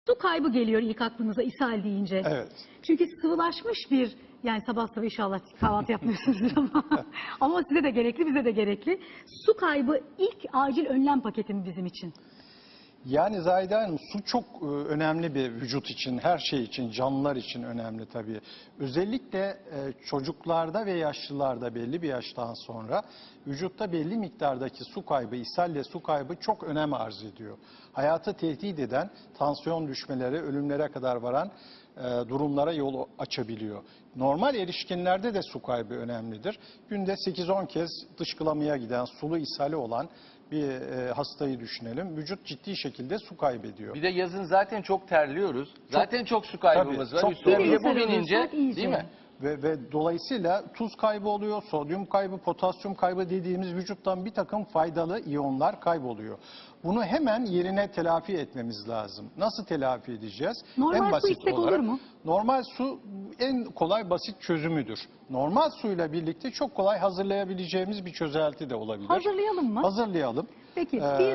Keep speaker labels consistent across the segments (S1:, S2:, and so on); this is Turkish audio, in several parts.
S1: Su kaybı geliyor ilk aklınıza ishal deyince.
S2: Evet.
S1: Çünkü sıvılaşmış bir, yani sabah sabah inşallah kahvaltı yapmıyorsunuz ama size de gerekli, bize de gerekli. Su kaybı ilk acil önlem paketi mi bizim için?
S2: Yani Zahide Hanım, su çok önemli bir vücut için, her şey için, canlılar için önemli tabii. Özellikle çocuklarda ve yaşlılarda belli bir yaştan sonra vücutta belli miktardaki su kaybı, ishalle su kaybı çok önem arz ediyor. Hayatı tehdit eden, tansiyon düşmeleri, ölümlere kadar varan durumlara yol açabiliyor. Normal erişkinlerde de su kaybı önemlidir. Günde 8-10 kez dışkılamaya giden, sulu ishali olan bir hastayı düşünelim. Vücut ciddi şekilde su kaybediyor.
S3: Bir de yazın zaten çok terliyoruz. Zaten çok su kaybımız
S2: tabii,
S3: var.
S2: çok
S3: Üstüne bir de bu
S1: terliyoruz.
S3: binince,
S1: Çok iyice.
S3: değil mi?
S2: Ve dolayısıyla tuz kaybı oluyor, sodyum kaybı, potasyum kaybı dediğimiz vücuttan bir takım faydalı iyonlar kayboluyor. Bunu hemen yerine telafi etmemiz lazım. Nasıl telafi edeceğiz?
S1: Normal su içsek olur mu?
S2: Normal su en kolay basit çözümüdür. Normal suyla birlikte çok kolay hazırlayabileceğimiz bir çözelti de olabilir.
S1: Hazırlayalım mı?
S2: Hazırlayalım.
S1: Peki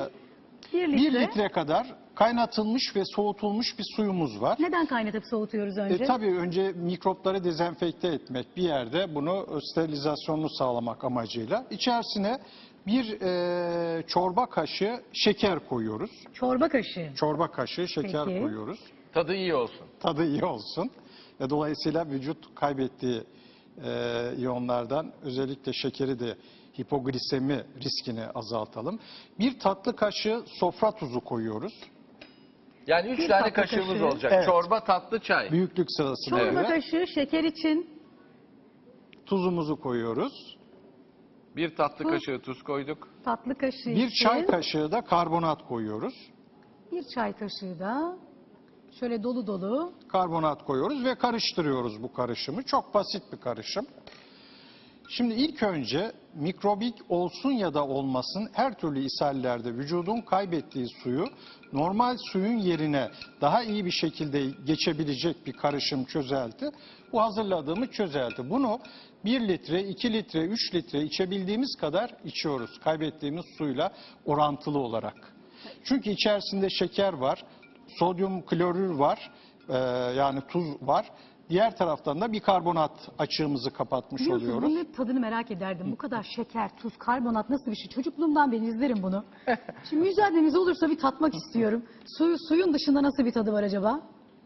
S1: bir
S2: 1
S1: litre.
S2: litre kadar kaynatılmış ve soğutulmuş bir suyumuz var.
S1: Neden kaynatıp soğutuyoruz önce?
S2: Tabii önce mikropları dezenfekte etmek, bir yerde bunu sterilizasyonunu sağlamak amacıyla. İçerisine bir çorba kaşığı şeker koyuyoruz.
S1: Çorba kaşığı.
S2: Çorba kaşığı şeker
S1: Peki.
S2: koyuyoruz.
S3: Tadı iyi olsun.
S2: Tadı iyi olsun. Ve dolayısıyla vücut kaybettiği iyonlardan özellikle şekeri de hipoglisemi riskini azaltalım. Bir tatlı kaşığı sofra tuzu koyuyoruz.
S3: Yani 3
S1: Bir
S3: tane
S1: tatlı
S3: kaşığımız
S1: kaşığı.
S3: olacak.
S2: Evet.
S3: Çorba, tatlı, çay.
S2: Büyüklük sırasına
S1: Çorba
S2: göre
S1: kaşığı şeker için.
S2: tuzumuzu koyuyoruz.
S3: Bir tatlı
S1: Tuz.
S3: kaşığı tuz koyduk.
S1: Tatlı kaşığı
S2: Bir
S1: için.
S2: çay kaşığı da karbonat koyuyoruz.
S1: Bir çay kaşığı da şöyle dolu dolu.
S2: Karbonat koyuyoruz ve karıştırıyoruz bu karışımı. Çok basit bir karışım. Şimdi ilk önce mikrobik olsun ya da olmasın her türlü ishallerde vücudun kaybettiği suyu normal suyun yerine daha iyi bir şekilde geçebilecek bir karışım çözelti. Bu hazırladığımız çözelti. Bunu 1 litre, 2 litre, 3 litre içebildiğimiz kadar içiyoruz. Kaybettiğimiz suyla orantılı olarak. Çünkü içerisinde şeker var, sodyum klorür var, yani tuz var. Diğer taraftan da bikarbonat açığımızı kapatmış
S1: Biliyorsunuz
S2: oluyoruz.
S1: bunun hep tadını merak ederdim. Bu kadar şeker, tuz, karbonat nasıl bir şey? Çocukluğumdan beri izlerim bunu. Şimdi mücadelemiz olursa bir tatmak istiyorum. Suyun dışında nasıl bir tadı var acaba?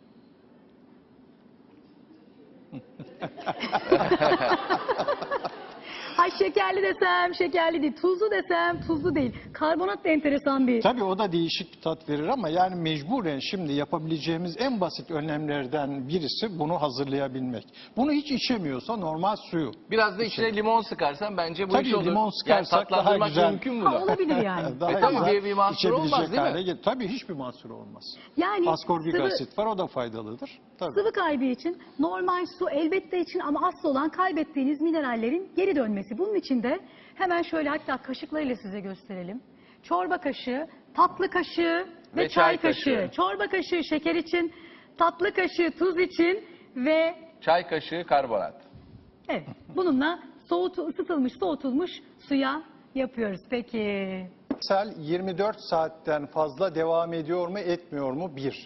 S1: Hay şekerli desem şekerli değil, tuzlu desem tuzlu değil. Karbonat da enteresan bir.
S2: Tabii o da değişik bir tat verir ama yani mecburen şimdi yapabileceğimiz en basit önlemlerden birisi bunu hazırlayabilmek. Bunu hiç içemiyorsa normal suyu.
S3: Biraz da içine limon sıkarsan bence bu
S2: Tabii
S3: iş olur.
S2: limon sıkarsak
S3: yani
S2: daha
S3: tatlandırmak
S2: güzel.
S3: mümkün
S1: Ha,
S3: bunu.
S1: olabilir yani.
S2: Daha
S3: tabii
S2: güzel
S3: bir mahsur olmaz,
S2: içebilecek
S3: değil mi?
S2: hale gelir. Tabii hiçbir mahsur olmaz.
S1: Yani
S2: Askorbik
S1: sıvı-
S2: asit var, o da faydalıdır. Tabii.
S1: Sıvı kaybı için normal su elbette için ama asıl olan kaybettiğiniz minerallerin geri dönmesi. Bunun için de hemen şöyle hatta kaşıklarıyla size gösterelim. Çorba kaşığı, tatlı kaşığı ve
S3: Ve
S1: çay
S3: çay
S1: kaşığı.
S3: kaşığı.
S1: Çorba kaşığı şeker için, tatlı kaşığı tuz için ve
S3: Çay kaşığı karbonat.
S1: evet bununla ısıtılmış, soğutulmuş suya yapıyoruz. Peki.
S2: İshal 24 saatten fazla devam ediyor mu, etmiyor mu? 1.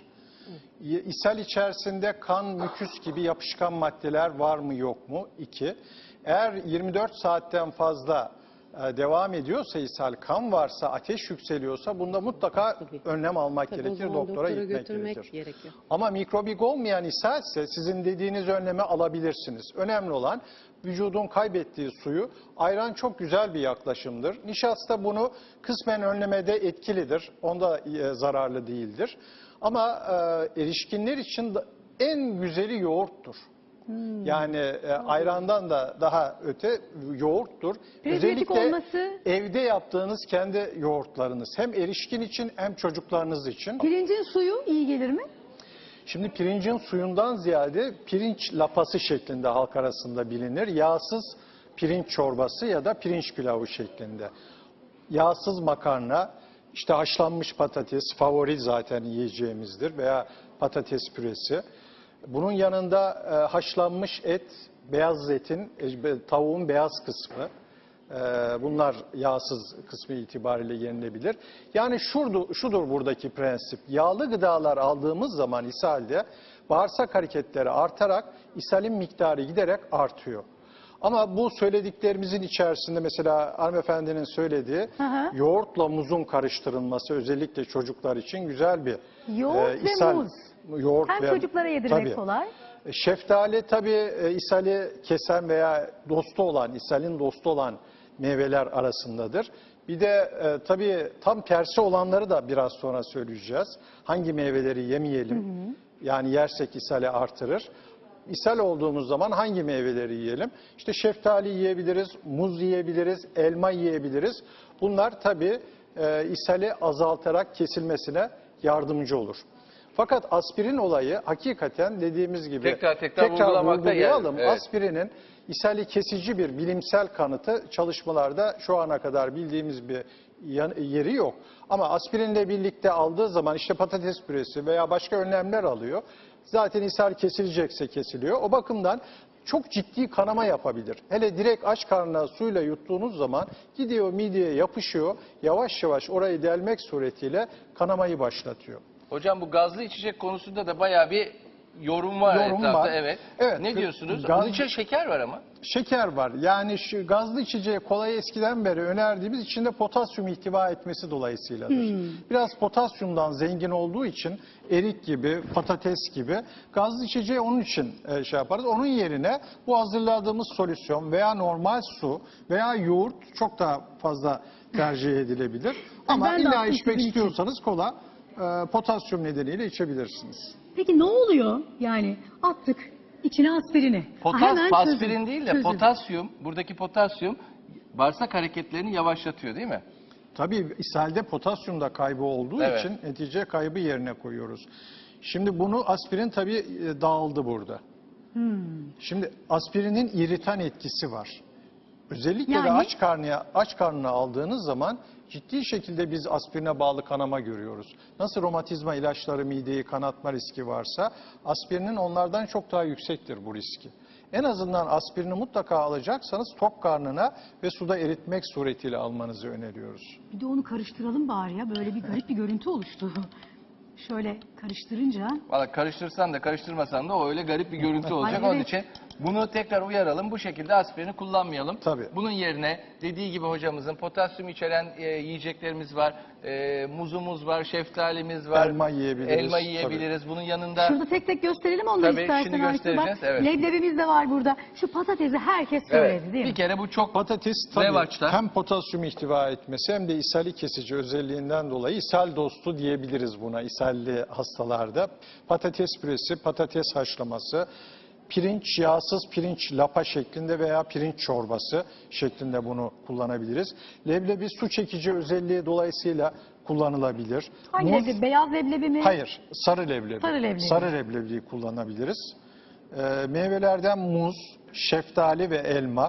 S2: İshal içerisinde kan, müküs gibi yapışkan maddeler var mı, yok mu? 2. Eğer 24 saatten fazla devam ediyorsa ishal, kan varsa, ateş yükseliyorsa bunda mutlaka önlem almak
S4: Tabii o
S2: gerekir,
S4: zaman
S2: doktora
S4: doktora
S2: gitmek
S4: götürmek
S2: gerekir.
S4: gerekiyor.
S2: Ama mikrobik olmayan ishalse sizin dediğiniz önlemi alabilirsiniz. Önemli olan vücudun kaybettiği suyu, ayran çok güzel bir yaklaşımdır. Nişasta bunu kısmen önlemede etkilidir, onda zararlı değildir. Ama erişkinler için en güzeli yoğurttur. Yani ayrandan da daha öte yoğurttur.
S1: Prebiyontik olması-
S2: evde yaptığınız kendi yoğurtlarınız. Hem erişkin için hem çocuklarınız için.
S1: Pirincin suyu iyi gelir mi?
S2: Şimdi pirincin suyundan ziyade pirinç lapası şeklinde halk arasında bilinir. Yağsız pirinç çorbası ya da pirinç pilavı şeklinde. Yağsız makarna, işte haşlanmış patates favori zaten yiyeceğimizdir veya patates püresi. Bunun yanında haşlanmış et, beyaz etin, tavuğun beyaz kısmı, Bunlar yağsız kısmı itibariyle yenilebilir. Yani şudur buradaki prensip. Yağlı gıdalar aldığımız zaman ishalde bağırsak hareketleri artarak ishalin miktarı giderek artıyor. Ama bu söylediklerimizin içerisinde mesela hanımefendinin söylediği yoğurtla muzun karıştırılması özellikle çocuklar için güzel bir
S1: Yoğurt ve
S2: ishal.
S1: muz.
S2: Yoğurt
S1: Hem
S2: ve,
S1: çocuklara yedirmek
S2: tabii.
S1: kolay.
S2: Şeftali tabii ishali kesen veya dostu olan, ishalin dostu olan meyveler arasındadır. Bir de tabii tam tersi olanları da biraz sonra söyleyeceğiz. Hangi meyveleri yemeyelim? Yani yersek ishali artırır. İshal olduğumuz zaman hangi meyveleri yiyelim? İşte şeftali yiyebiliriz, muz yiyebiliriz, elma yiyebiliriz. Bunlar tabii ishali azaltarak kesilmesine yardımcı olur. Fakat aspirin olayı hakikaten dediğimiz gibi
S3: tekrar vurgulamakta
S2: vurgulayalım.
S3: evet.
S2: Aspirinin ishali kesici bir bilimsel kanıtı çalışmalarda şu ana kadar bildiğimiz bir yeri yok. Ama aspirinle birlikte aldığı zaman işte patates püresi veya başka önlemler alıyor. Zaten ishal kesilecekse kesiliyor. O bakımdan çok ciddi kanama yapabilir. Hele direkt aç karnına suyla yuttuğunuz zaman gidiyor mideye yapışıyor. Yavaş yavaş orayı delmek suretiyle kanamayı başlatıyor.
S3: Hocam bu gazlı içecek konusunda da bayağı bir yorum var etrafta.
S2: Var.
S3: Evet.
S2: Evet.
S3: Ne diyorsunuz?
S2: Gaz-
S3: Bunun içinde şeker var ama.
S2: Şeker var. Yani şu gazlı içeceği kolay eskiden beri önerdiğimiz içinde potasyum ihtiva etmesi dolayısıyladır. Biraz potasyumdan zengin olduğu için erik gibi, patates gibi gazlı içeceği onun için şey yaparız. Onun yerine bu hazırladığımız solüsyon veya normal su veya yoğurt çok daha fazla tercih edilebilir. Ama
S1: Ben de
S2: illa
S1: aslında
S2: içmek
S1: sizin için.
S2: istiyorsanız kola potasyum nedeniyle içebilirsiniz.
S1: Peki ne oluyor? Yani attık içine aspirini. Hemen
S3: Aspirin
S1: çözüm.
S3: değil de
S1: Çözüm.
S3: potasyum, buradaki potasyum bağırsak hareketlerini yavaşlatıyor değil mi?
S2: Tabii ishalde potasyum da kaybı olduğu
S3: Evet.
S2: için netice kaybı yerine koyuyoruz. Şimdi bunu aspirin tabii dağıldı burada. Şimdi aspirinin iritan etkisi var. Özellikle de
S1: Yani?
S2: aç karnına aldığınız zaman ciddi şekilde biz aspirine bağlı kanama görüyoruz. Nasıl romatizma ilaçları mideyi kanatma riski varsa aspirinin onlardan çok daha yüksektir bu riski. En azından aspirini mutlaka alacaksanız tok karnına ve suda eritmek suretiyle almanızı öneriyoruz.
S1: Bir de onu karıştıralım bari ya. Böyle bir garip bir görüntü oluştu. Şöyle karıştırınca.
S3: Valla karıştırsan da karıştırmasan da o öyle garip bir görüntü olacak.
S1: Ay,
S3: Onun
S1: evet.
S3: için bunu tekrar uyaralım. Bu şekilde aspirini kullanmayalım.
S2: Tabii.
S3: Bunun yerine dediği gibi hocamızın potasyum içeren yiyeceklerimiz var. Muzumuz var, şeftalimiz var.
S2: Elma yiyebiliriz,
S3: Elma yiyebiliriz. Bunun yanında
S1: Şurada tek tek gösterelim onları
S3: Tabii,
S1: istersen.
S3: şimdi
S1: Ayşe. Bak,
S3: göstereceğiz, evet.
S1: Leblebimiz de var burada. Şu patatesi herkes söyledi
S3: evet,
S1: değil mi?
S3: bir kere bu çok
S2: Patates tabii
S3: revaçta.
S2: hem potasyum ihtiva etmesi hem de ishali kesici özelliğinden dolayı ishal dostu diyebiliriz buna ishalli hastalarda. Patates püresi, patates haşlaması, pirinç, yağsız pirinç lapa şeklinde veya pirinç çorbası şeklinde bunu kullanabiliriz. Leblebi su çekici özelliği dolayısıyla kullanılabilir.
S1: Hangi
S2: Muz-
S1: leblebi? Beyaz leblebi mi?
S2: Hayır, sarı leblebi.
S1: Sarı leblebi.
S2: Sarı leblebiyi kullanabiliriz. Meyvelerden muz, şeftali ve elma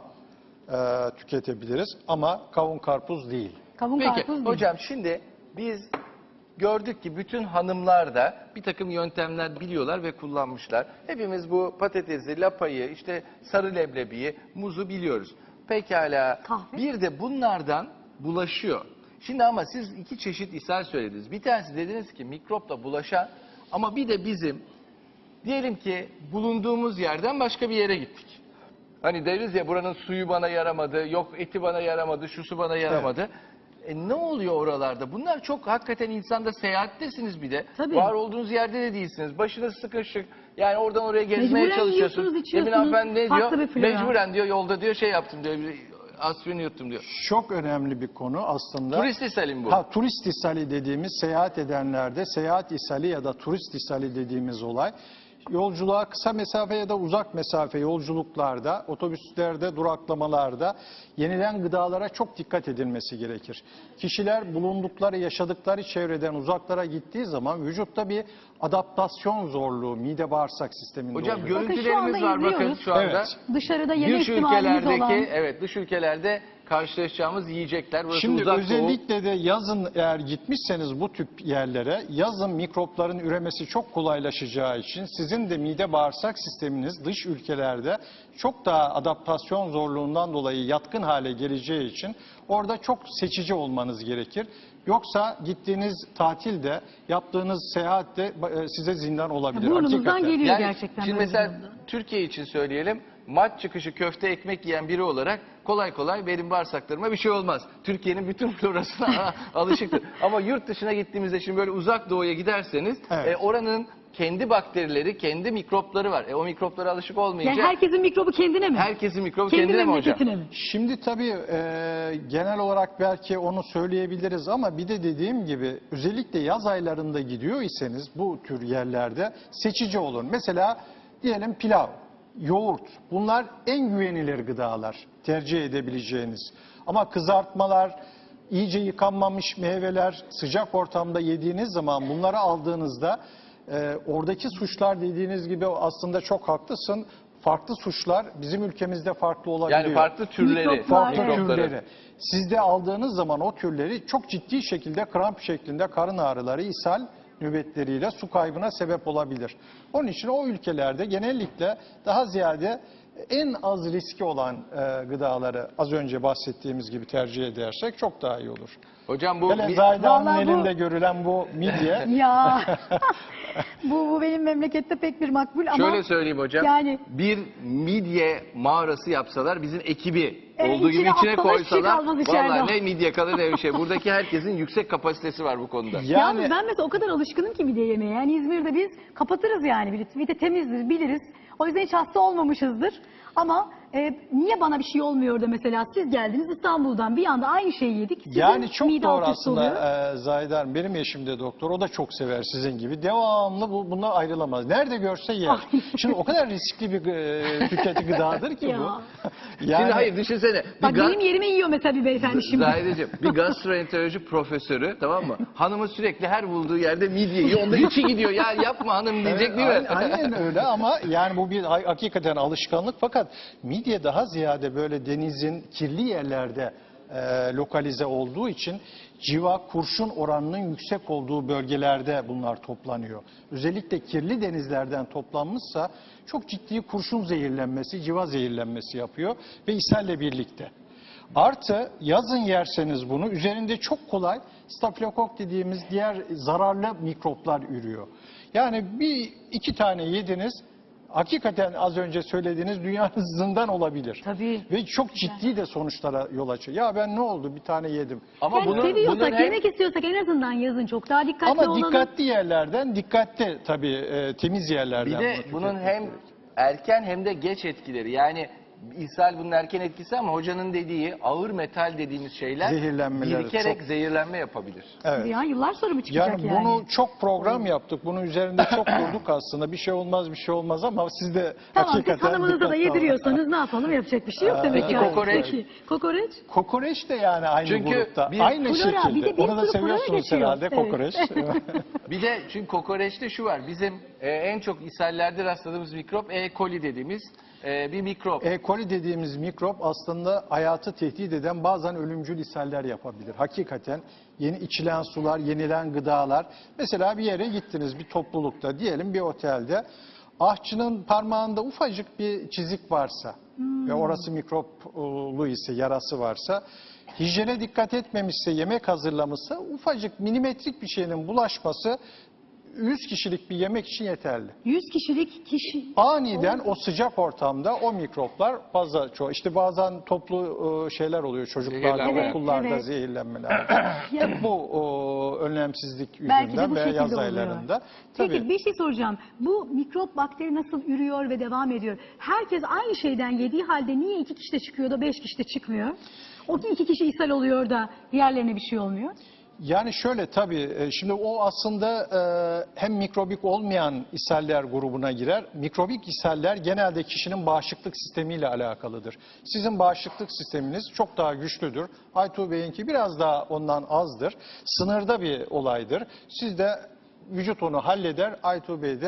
S2: tüketebiliriz ama kavun karpuz değil.
S1: Kavun
S3: Peki
S1: karpuz değil.
S3: hocam şimdi biz gördük ki bütün hanımlar da bir takım yöntemler biliyorlar ve kullanmışlar. Hepimiz bu patatesi, lapayı, işte sarı leblebiyi, muzu biliyoruz. Pekala
S1: Kahve.
S3: bir de bunlardan bulaşıyor. Şimdi ama siz iki çeşit ishal söylediniz. Bir tanesi dediniz ki mikropla bulaşan ama bir de bizim diyelim ki bulunduğumuz yerden başka bir yere gittik. Hani deriz ya buranın suyu bana yaramadı, yok eti bana yaramadı, şusu bana yaramadı. Ne oluyor oralarda? Bunlar çok hakikaten insanda seyahattesiniz bir de.
S1: Tabii.
S3: Var olduğunuz yerde de değilsiniz. Başınız sıkışık. Yani oradan oraya gezmeye
S1: Mecburen
S3: çalışıyorsunuz.
S1: yiyorsunuz, içiyorsunuz.
S3: Emin hanımefendi ne
S1: Farklı
S3: diyor?
S1: bir flora.
S3: Mecburen diyor yolda diyor şey yaptım diyor. Aspirin yuttum diyor.
S2: Çok önemli bir konu aslında.
S3: Turist ishalim bu.
S2: Turist ishali dediğimiz seyahat edenlerde seyahat ishali ya da turist ishali dediğimiz olay. Yolculuğa kısa mesafe ya da uzak mesafe yolculuklarda, otobüslerde, duraklamalarda yenilen gıdalara çok dikkat edilmesi gerekir. Kişiler bulundukları, yaşadıkları çevreden uzaklara gittiği zaman vücutta bir adaptasyon zorluğu mide bağırsak sisteminde
S3: Hocam
S2: oluyor.
S3: görüntülerimiz var bakın
S1: izliyoruz.
S3: şu anda.
S2: Evet.
S1: Dışarıda yeme
S3: Dış
S1: ihtimalimiz
S3: ülkelerdeki
S1: olan.
S3: evet dış ülkelerde karşılaşacağımız yiyecekler. Burası
S2: Şimdi
S3: Uzak Doğu.
S2: özellikle de yazın eğer gitmişseniz bu tip yerlere, yazın mikropların üremesi çok kolaylaşacağı için sizin de mide bağırsak sisteminiz dış ülkelerde çok daha adaptasyon zorluğundan dolayı yatkın hale geleceği için orada çok seçici olmanız gerekir. Yoksa gittiğiniz tatilde, yaptığınız seyahatte size zindan olabilir.
S1: Burnumuzdan
S2: Hakikaten.
S1: geliyor gerçekten.
S3: Şimdi
S1: böyle
S3: mesela
S1: bir durumda.
S3: Türkiye için söyleyelim. Maç çıkışı köfte ekmek yiyen biri olarak kolay kolay benim bağırsaklarıma bir şey olmaz. Türkiye'nin bütün florasına alışıktır. Ama yurt dışına gittiğimizde şimdi böyle Uzak Doğu'ya giderseniz
S2: Evet.
S3: oranın kendi bakterileri, kendi mikropları var. O mikroplara alışık olmayınca
S1: Yani herkesin mikrobu kendine mi?
S3: herkesin mikrobu
S1: Kendi
S3: kendine mi hocam?
S1: memleketine mi?
S2: Şimdi tabii genel olarak belki onu söyleyebiliriz ama bir de dediğim gibi özellikle yaz aylarında gidiyor iseniz bu tür yerlerde seçici olun. Mesela diyelim pilav, yoğurt, bunlar en güvenilir gıdalar tercih edebileceğiniz. Ama kızartmalar, iyice yıkanmamış meyveler sıcak ortamda yediğiniz zaman bunları aldığınızda oradaki suçlar dediğiniz gibi aslında çok haklısın. Farklı suçlar bizim ülkemizde farklı olabiliyor.
S3: Yani farklı türleri,
S1: Mikroplar,
S2: Farklı
S1: evet.
S2: türleri. Siz de aldığınız zaman o türleri çok ciddi şekilde kramp şeklinde karın ağrıları, ishal nöbetleriyle su kaybına sebep olabilir. Onun için o ülkelerde genellikle daha ziyade en az riski olan gıdaları az önce bahsettiğimiz gibi tercih edersek çok daha iyi olur.
S3: Hocam bu
S2: Hele Zahide Hanım'ın
S1: Vallahi bu-
S2: elinde görülen bu midye
S1: Ya bu benim memlekette pek bir makbul ama
S3: şöyle söyleyeyim hocam.
S1: yani
S3: Bir midye mağarası yapsalar bizim ekibi olduğu gibi
S1: içine
S3: içine
S1: atsalar hiçbir şey
S3: koysalar
S1: kalmaz içeride.
S3: vallahi ne midye kalır ne bir şey. Buradaki herkesin yüksek kapasitesi var bu konuda.
S1: yalnız ben mesela o kadar alışkınım ki midye yemeye. Yani İzmir'de biz kapatırız yani. Bir de temizdir, biliriz. O yüzden hiç hasta olmamışızdır. Ama niye bana bir şey olmuyor da mesela siz geldiniz İstanbul'dan bir anda aynı şeyi yedik. Sizin
S2: Yani çok
S1: mide
S2: doğru
S1: alt üst oluyor.
S2: aslında Zahide Hanım. Benim eşim de doktor. O da çok sever sizin gibi. Devamlı bunlar ayrılamaz. Nerede görse yer. Şimdi o kadar riskli bir tüketici gıdadır ki
S1: Ya.
S2: bu.
S3: Şimdi hayır düşünsene.
S1: Bak benim yerime yiyor mesela bir beyefendi şimdi.
S3: Zahideciğim bir gastroenteroloji profesörü tamam mı? Hanımı sürekli her bulduğu yerde midye yiyor. Onda içi gidiyor. Ya yapma hanım diyecek değil mi?
S2: Aynen öyle ama yani bu bir hakikaten alışkanlık fakat midye daha ziyade böyle denizin kirli yerlerde lokalize olduğu için civa, kurşun oranının yüksek olduğu bölgelerde bunlar toplanıyor. Özellikle kirli denizlerden toplanmışsa çok ciddi kurşun zehirlenmesi, civa zehirlenmesi yapıyor ve ishalle birlikte. Artı yazın yerseniz bunu üzerinde çok kolay stafilokok dediğimiz diğer zararlı mikroplar ürüyor. Yani bir iki tane yediniz hakikaten az önce söylediğiniz dünyanın zindan olabilir.
S1: Tabii.
S2: Ve çok ciddi de sonuçlara yol açıyor. Ya ben ne oldu bir tane yedim.
S3: Ama
S1: Yani
S3: bunun
S1: seviyorsak,
S3: hem-
S1: yemek istiyorsak en azından yazın çok daha dikkatli
S2: Ama
S1: olalım.
S2: dikkatli yerlerden, dikkatli tabii temiz yerlerden.
S3: bir de
S2: bunu
S3: bunun
S2: tüketmek
S3: hem
S2: gerekiyor.
S3: erken hem de geç etkileri. Yani ishal bunun erken etkisi ama hocanın dediği ağır metal dediğimiz şeyler
S2: Zehirlenmeler
S3: birikerek
S2: çok-
S3: zehirlenme yapabilir.
S2: Evet.
S1: Ya yıllar sonra mı çıkacak
S2: Yani
S1: yani?
S2: bunu çok program yaptık. Bunun üzerinde çok durduk aslında. Bir şey olmaz ama siz de
S1: Tamam siz
S2: hakikaten
S1: hanımınıza da
S2: dikkatli olun.
S1: yediriyorsanız ne yapalım yapacak bir şey yok demek
S3: Peki
S1: ki.
S3: kokoreç?
S1: Peki, kokoreç?
S2: Kokoreç de yani aynı
S3: Çünkü
S2: grupta.
S3: bir-
S2: Aynı
S1: Flora,
S2: şekilde.
S1: bir de bir
S2: Onu da
S1: sürü flora
S2: seviyorsunuz
S1: geçiyor.
S2: herhalde
S1: Evet.
S2: kokoreç.
S3: Bir de çünkü kokoreçte şu var. Bizim en çok ishallerde rastladığımız mikrop E. coli dediğimiz bir mikrop.
S2: E. coli dediğimiz mikrop aslında hayatı tehdit eden bazen ölümcül ishaller yapabilir. Hakikaten yeni içilen sular, yenilen gıdalar. Mesela bir yere gittiniz bir toplulukta diyelim bir otelde. Ahçının parmağında ufacık bir çizik varsa ve orası mikroplu ise yarası varsa hijyene dikkat etmemişse yemek hazırlamışsa ufacık milimetrik bir şeyin bulaşması 100 kişilik bir yemek için yeterli.
S1: 100 kişilik kişi.
S2: Aniden o sıcak ortamda o mikroplar fazla çoğu. İşte bazen toplu şeyler oluyor çocuklarda,
S3: Zehirlenme.
S2: okullarda
S1: Evet.
S2: zehirlenmeler.
S1: Ya-
S2: Hep bu önlemsizlik
S1: Belki de
S2: yüzünden
S1: bu
S2: veya
S1: şekilde
S2: yaz
S1: oluyor.
S2: aylarında.
S1: Peki
S2: Tabii.
S1: bir şey soracağım. Bu mikrop bakteri nasıl ürüyor ve devam ediyor? Herkes aynı şeyden yediği halde niye 2 kişi de çıkıyor da 5 kişi de çıkmıyor? O 2 kişi ishal oluyor da diğerlerine bir şey olmuyor.
S2: Yani şöyle tabii şimdi o aslında hem mikrobik olmayan ishaller grubuna girer. Mikrobik ishaller genelde kişinin bağışıklık sistemiyle alakalıdır. Sizin bağışıklık sisteminiz çok daha güçlüdür. Aytuğ Bey'inki biraz daha ondan azdır. Sınırda bir olaydır. Siz de vücut onu halleder. Aytuğ Bey de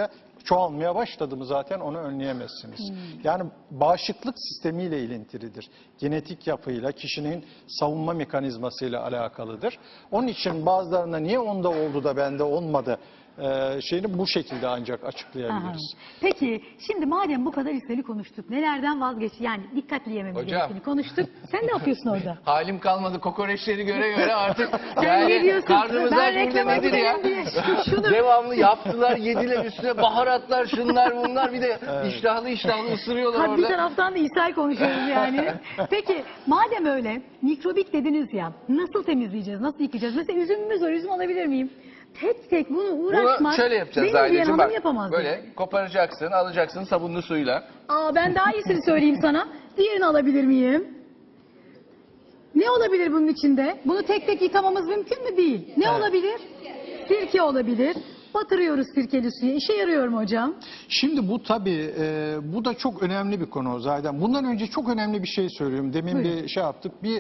S2: çoğalmaya başladı mı zaten onu önleyemezsiniz. Yani bağışıklık sistemiyle ilintilidir. Genetik yapıyla, kişinin savunma mekanizmasıyla alakalıdır. Onun için bazılarında niye onda oldu da bende olmadı şeyini bu şekilde ancak
S1: Aha.
S2: açıklayabiliriz.
S1: Peki şimdi madem bu kadar işleri konuştuk, nelerden yani dikkatli yememiz
S3: Hocam.
S1: gerektiğini konuştuk. Sen ne yapıyorsun orada?
S3: Halim kalmadı kokoreçleri göre göre artık
S1: Sen ne diyorsun?
S3: karnımız
S1: Ben
S3: aç burada
S1: reklama
S3: nedir ya?
S1: gireyim diye şunu-
S3: Devamlı yaptılar, yediler üstüne baharatlar, şunlar bunlar bir de iştahlı ısırıyorlar
S1: Ha, bir
S3: orada.
S1: taraftan da ishal konuşuyoruz yani. Peki madem öyle mikrobik dediniz ya, nasıl temizleyeceğiz, nasıl yıkayacağız? Mesela üzümümüz var, üzüm alabilir miyim? Tek tek bunu uğraşmak
S3: Bunu şöyle yapacağız
S1: benim diyen
S3: Zahideciğim,
S1: hanım
S3: bak
S1: yapamaz.
S3: böyle koparacaksın, alacaksın sabunlu suyla.
S1: Aa, ben daha iyisini söyleyeyim sana. Diğerini alabilir miyim? Ne olabilir bunun içinde? Bunu tek tek yıkamamız mümkün mü? Değil. Ne olabilir? Sirke olabilir. Batırıyoruz sirkeli suya. İşe yarıyor mu hocam?
S2: Şimdi bu tabii bu da çok önemli bir konu zaten. Bundan önce çok önemli bir şey söylüyorum. Demin
S1: Buyurun.
S2: bir şey yaptık. Bir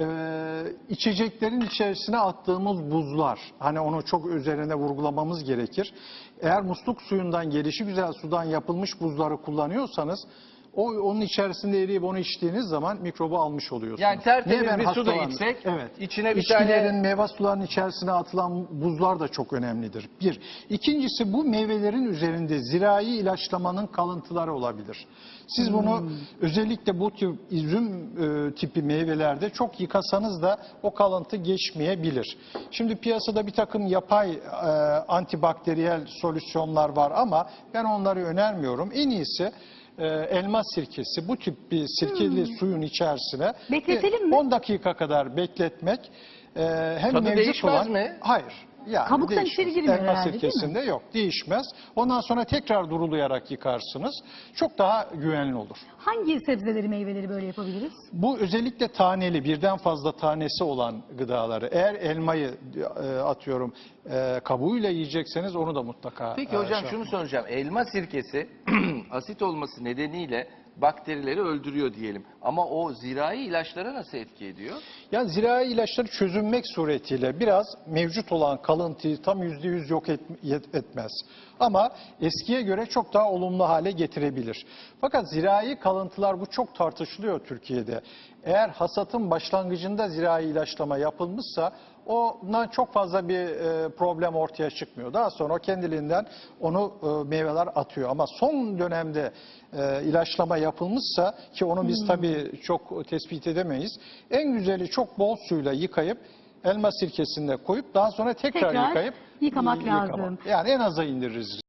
S2: içeceklerin içerisine attığımız buzlar. Hani onu çok üzerine vurgulamamız gerekir. Eğer musluk suyundan gelişigüzel sudan yapılmış buzları kullanıyorsanız onun içerisinde eriyip onu içtiğiniz zaman mikrobu almış oluyorsunuz.
S3: Yani tertemiz
S2: Niye ben
S3: bir su da
S2: hastalandım?
S3: içsek,
S2: evet.
S3: içine bir
S2: İçkilerin,
S3: tane...
S2: meyve sularının içerisine atılan buzlar da çok önemlidir. Bir. İkincisi bu meyvelerin üzerinde zirai ilaçlamanın kalıntıları olabilir. Siz bunu özellikle bu tip üzüm tipi meyvelerde çok yıkasanız da o kalıntı geçmeyebilir. Şimdi piyasada bir takım yapay antibakteriyel solüsyonlar var ama ben onları önermiyorum. En iyisi elma sirkesi, bu tip bir sirkeli suyun içerisine
S1: Bekletelim mi?
S2: 10 dakika kadar bekletmek hem
S3: Tadı
S2: mevcut
S3: değişmez
S2: olan...
S3: mi?
S2: Hayır. Yani
S1: Kabuktan
S2: değişmez.
S1: içeri girmiyor
S2: Elma
S1: herhalde, değil mi?
S2: sirkesinde yok, değişmez. Ondan sonra tekrar durulayarak yıkarsınız. Çok daha güvenli olur.
S1: Hangi sebzeleri, meyveleri böyle yapabiliriz?
S2: Bu özellikle taneli, birden fazla tanesi olan gıdaları. Eğer elmayı atıyorum kabuğuyla yiyecekseniz onu da mutlaka...
S3: Peki hocam şunu soracağım. Elma sirkesi asit olması nedeniyle bakterileri öldürüyor diyelim. Ama o zirai ilaçlara nasıl etki ediyor?
S2: Yani zirai ilaçları çözünmek suretiyle biraz mevcut olan kalıntıyı tam %100 yok etmez. Ama eskiye göre çok daha olumlu hale getirebilir. Fakat zirai kalıntılar bu çok tartışılıyor Türkiye'de. Eğer hasatın başlangıcında zirai ilaçlama yapılmışsa ondan çok fazla bir problem ortaya çıkmıyor. Daha sonra kendiliğinden onu meyveler atıyor. Ama son dönemde ilaçlama yapılmışsa ki onu biz tabii çok tespit edemeyiz. En güzeli çok bol suyla yıkayıp elma sirkesinde koyup daha sonra tekrar
S1: Tekrar
S2: yıkayıp
S1: yıkamak lazım.
S2: Yani en aza indiririz.